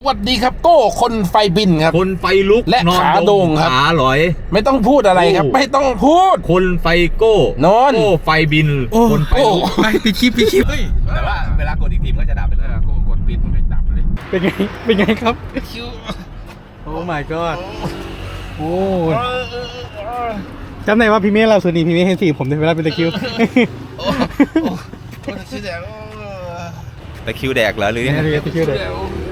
สวัสดีครับโก้คนไฟบินครับคนไฟลุกและขาโด่งครับขาหลอยไม่ต้องพูดอะไรครับ ไม่ต้องพูดคนไฟโก้นอนโก้ไฟบินคนไฟลุกไปปิดคลิปเฮ้ยแต่ว่าเวลากดอีกทีมันก็จะดับไปเลยโก้กดปิดมันไม่ดับเลยเป็นไงครับโอ้ my god โอ้จำได้ว่าพี่เมฆเราส่วนนี้พี่เมฆเห็นสีผมในเวลาเป็นตะคริวตะคริวแดกเหรอหรือยังไงตะคริวเลย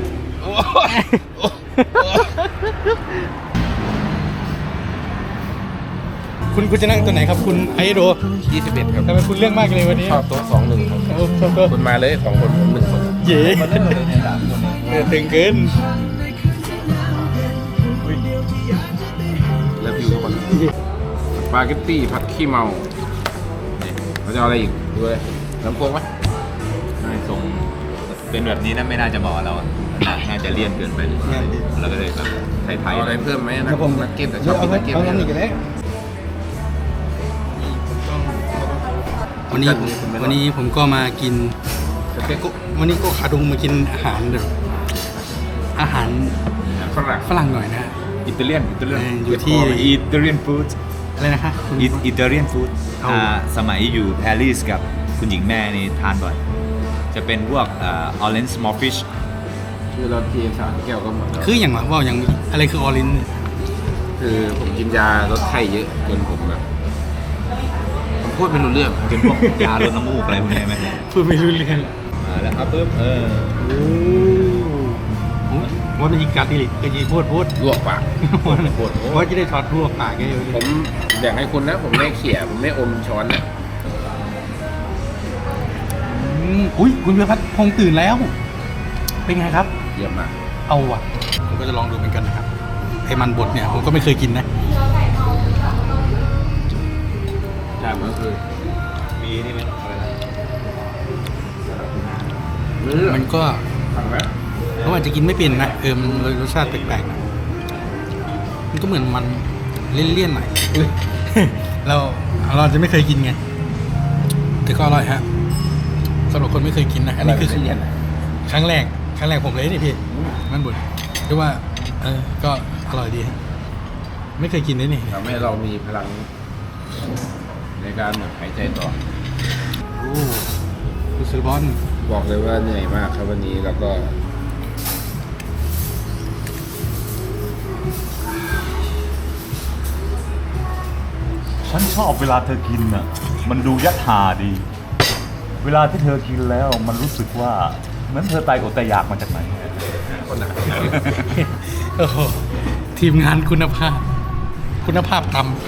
คุณจะนั่งตัวไหนครับคุณไอโด 21ครับทำไมคุณเรื่องมากเลยวันนี้ชอบโต๊ะ21ครับโอ้ชอบตัวคุณมาเลย2คนผม1คนเย่ตึงเกินแล้ววิวทุกคนสปาเกตตี้ผัดขี้เมาเราจะเอาอะไรอีกดูเลยน้ำโค้งไหมไม่ทรงเป็นแบบนี้นะไม่น่าจะเหมาะเราอะน่าจะเลี่ยนเกินไปเราก็เลยแบบไทยเอาอะไรๆเพิ่มไหมนะนักเก็ตแต่ชอบกินนักเก็ตเอาน้ำอีกกันแล้ววันนี้ผมก็มากิน วันนี้ก็ขาดุงมากินอาหารแบบอาหารฝรั่งฝรั่งหน่อยนะอิตาเลียนอยู่ที่อิตาเลียนฟู้ดอะไรนะคะคุณอิตาเลียนฟู้ดเอาสมัยอยู่ปารีสกับคุณหญิงแม่นี่ทานบ่อยจะเป็นพวกorange small fish คือเราเทียน3 แก้วก็หมดแล้วคืออย่างว่าอย่างอะไรคือออรินคือผมกินยาลดไข้เยอะจนผมแบบผมพูดไม่รู้เรื่องเป็นพวกยาลดน้ำมูกอะไรพวกนี้ไหมพูดไม่รู้เรื่องมาแล้วครับปึ๊บโอ้ว่าเป็นอีกการดิลิกจะพูดลวกปากว่าจะได้ทอดทั่วปากแกอยู่ผมแบ่งให้คุณนะ ผมไม่เขี่ยผมไม่อมช้อนนะอุ้ยคุณเบียร์พัฒน์คงตื่นแล้ว เป็นไงครับเยี่ยมมากเอาว่ะผมก็จะลองดูเหมือนกันนะครับไอ้มันบดเนี่ยผมก็ไม่เคยกินนะใช่มันก็คือมีนี่ไหมอะไรนะมันก็ฟังไหมเขาอาจจะกินไม่เป็นนะมันรสชาติแปลกๆนะมันก็เหมือนมันเลี่ยนๆหน่อย เราจะไม่เคยกินไงแต่ก็อร่อยฮะสำหรับคนไม่เคยกินนะอันนี้คือครั้งแรกผมเลยนี่พี่มันบดเรียกว่าก็อร่อยดีฮะไม่เคยกินเลยนี่ทำให้เรามีพลังในการแบบหายใจต่อโอ้คุณซื้อบอลบอกเลยว่าเหนื่อยมากครับวันนี้แล้วก็ฉันชอบเวลาเธอกินอ่ะ มันดูยัดหาดี เวลาที่เธอกินแล้วมันรู้สึกว่าเหมือนเธอตายอดตายอยากมาจากไหนคนหนักโอ้โหทีมงานคุณภาพต่ำ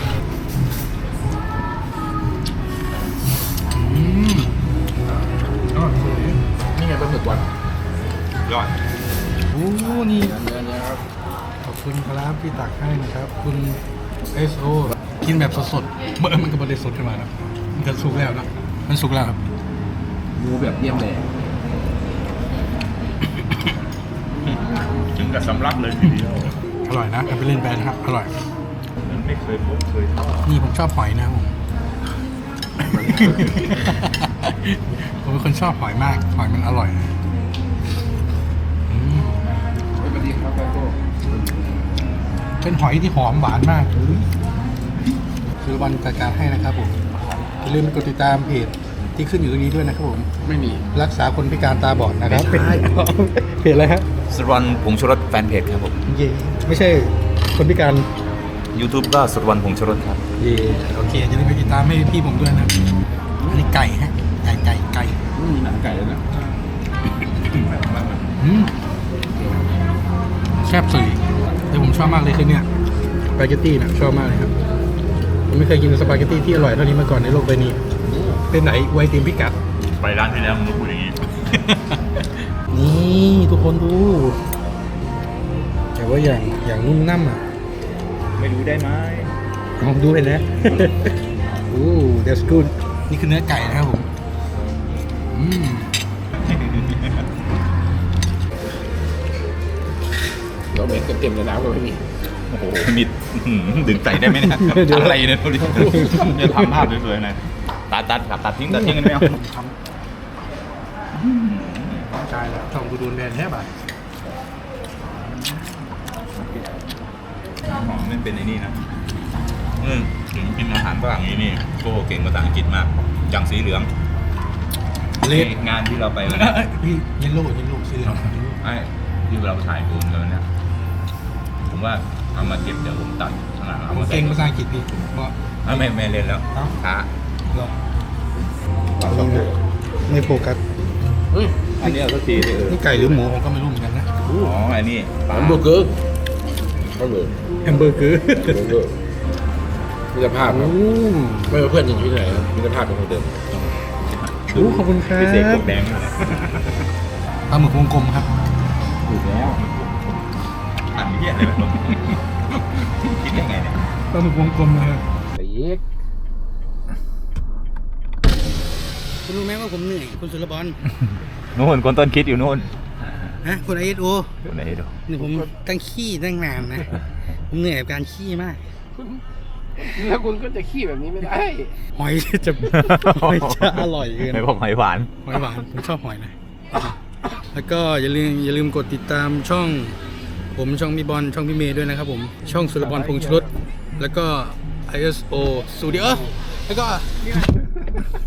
นี่ไงปลาหมึกวันยอดโอ้นี่เนื้อครับขอบคุณครับที่ตักให้นะครับ คุณ SO กินแบบสดๆมันก็ไม่ได้สดขึ้นมาครับมันก็สุกแล้วนะมันสุกแล้วครับหมูแบบเยี่ยมเลยถึงกับสำลักเลยทีเดียวอร่อยนะไปเล่นแบรนด์ครับอร่อยมันไม่เคยพบเคยทอดนี่ผมชอบหอยนะครับผม ผมเป็นคนชอบหอยมากหอยมันอร่อยอืมสวัสดีครับโก้เป็นหอยที่หอมหวานมากคือวันจัดการให้นะครับผมอย่าลืมกดติดตามเพจที่ขึ้นอยู่ตรงนี้ด้วยนะครับผมไม่มีรักษาคนพิการตาบอดนะครับเพจอะไรฮะสรวันผงชูรสแฟนเพจครับผมเย่ไม่ใช่คนพิการ YouTube ก็สรวันผงชูรสครับเย่โอเคอย่าลืมไปติดตามให้พี่ผมด้วยนะอันนี้ไก่ฮะไก่มีหนังไก่แล้วนะอืมแซ่บสุดแต่ผมชอบมากเลยคือเนี่ยสปาเกตตี้นะชอบมากเลยครับผมไม่เคยกินสปาเกตตี้ที่อร่อยเท่านี้มาก่อนในโลกใบนี้เป็นไหนไวทีมพิกัดไปร้านที่แล้วมึงก็พูดอย่างนี้นี่ทุกคนดู แต่ว่าอย่างนุ่มน่ำอ่ะไม่รู้ได้ไหมผมดูเห็นแล้ว โอ้ that's good นี่คือเนื้อไก่นะครับผมอืมเราเม็ดเต็มๆเลยน้ำก็ไม่มีโอ้โหมิดดึงใส่ได้ไหมเนี่ยอะไรเนี่ยดูดิจะทำภาพสวยๆหน่อยตัดทิ้งกันไม่เอาใจแล้วช่องกูโดนแบนแทบอ่ะหอมไม่เป็นไอ้นี่นะถึงกินอาหารฝรั่งนี้นี่โก้เก่งภาษาอังกฤษมากอย่างสีเหลืองเลดงานที่เราไปวันนั้นพี่เยลโล่สีเหลืองไอ้ที่เราถ่ายโดนกันเนี่ยผมว่าเอามาเก็บเดี๋ยวผมตัดข้างหลังเอาผมมาใส่เก่งภาษาอังกฤษพี่เพราะไม่เล่นแล้วเอ้าช้าเราไม่โฟกัสอันนี้เอาสักทีเลยนี่ไก่หรือหมูผมก็ไม่รู้เหมือนกันนะอ๋ออันนี้แฮมเบอร์เกอร์ก็เลยแฮมเบอร์เกอร์แฮมเบอร์เกอร์มิตรภาพครับไม่ว่าเพื่อนจะอยู่ที่ไหนครับมิตรภาพเป็นคนเดิมโอ้ขอบคุณครับพิเศษกบแดงเลยปลาหมึกวงกลมครับถูกแล้วอันนี้อะไรแบบนี้คิดยังไงเนี่ยปลาหมึกวงกลมนะครับแต่เย็กคุณรู้ไหมว่าผมเหนื่อยคุณสุรบอลนู่นคนต้นคิดอยู่นู่นนะคุณไอเอสโออยู่ไหนดูนี่ผมตั้งขี้ตั้งนานนะ ผมเหนื่อยกับการขี้มากแล้วคุณก็จะขี้แบบนี้ไม่ได้หอยจะหอยจะอร่อยเกินไม่บอกหอยหวานหอยหวานผมชอบหอยนะ แล้วก็อย่าลืมกดติดตามช่องผมช่องพี่บอลช่องพี่เมย์ด้วยนะครับผมช่องสุรบอลพงษ์ชลดแล้วก็ ISO Studio แล้วก็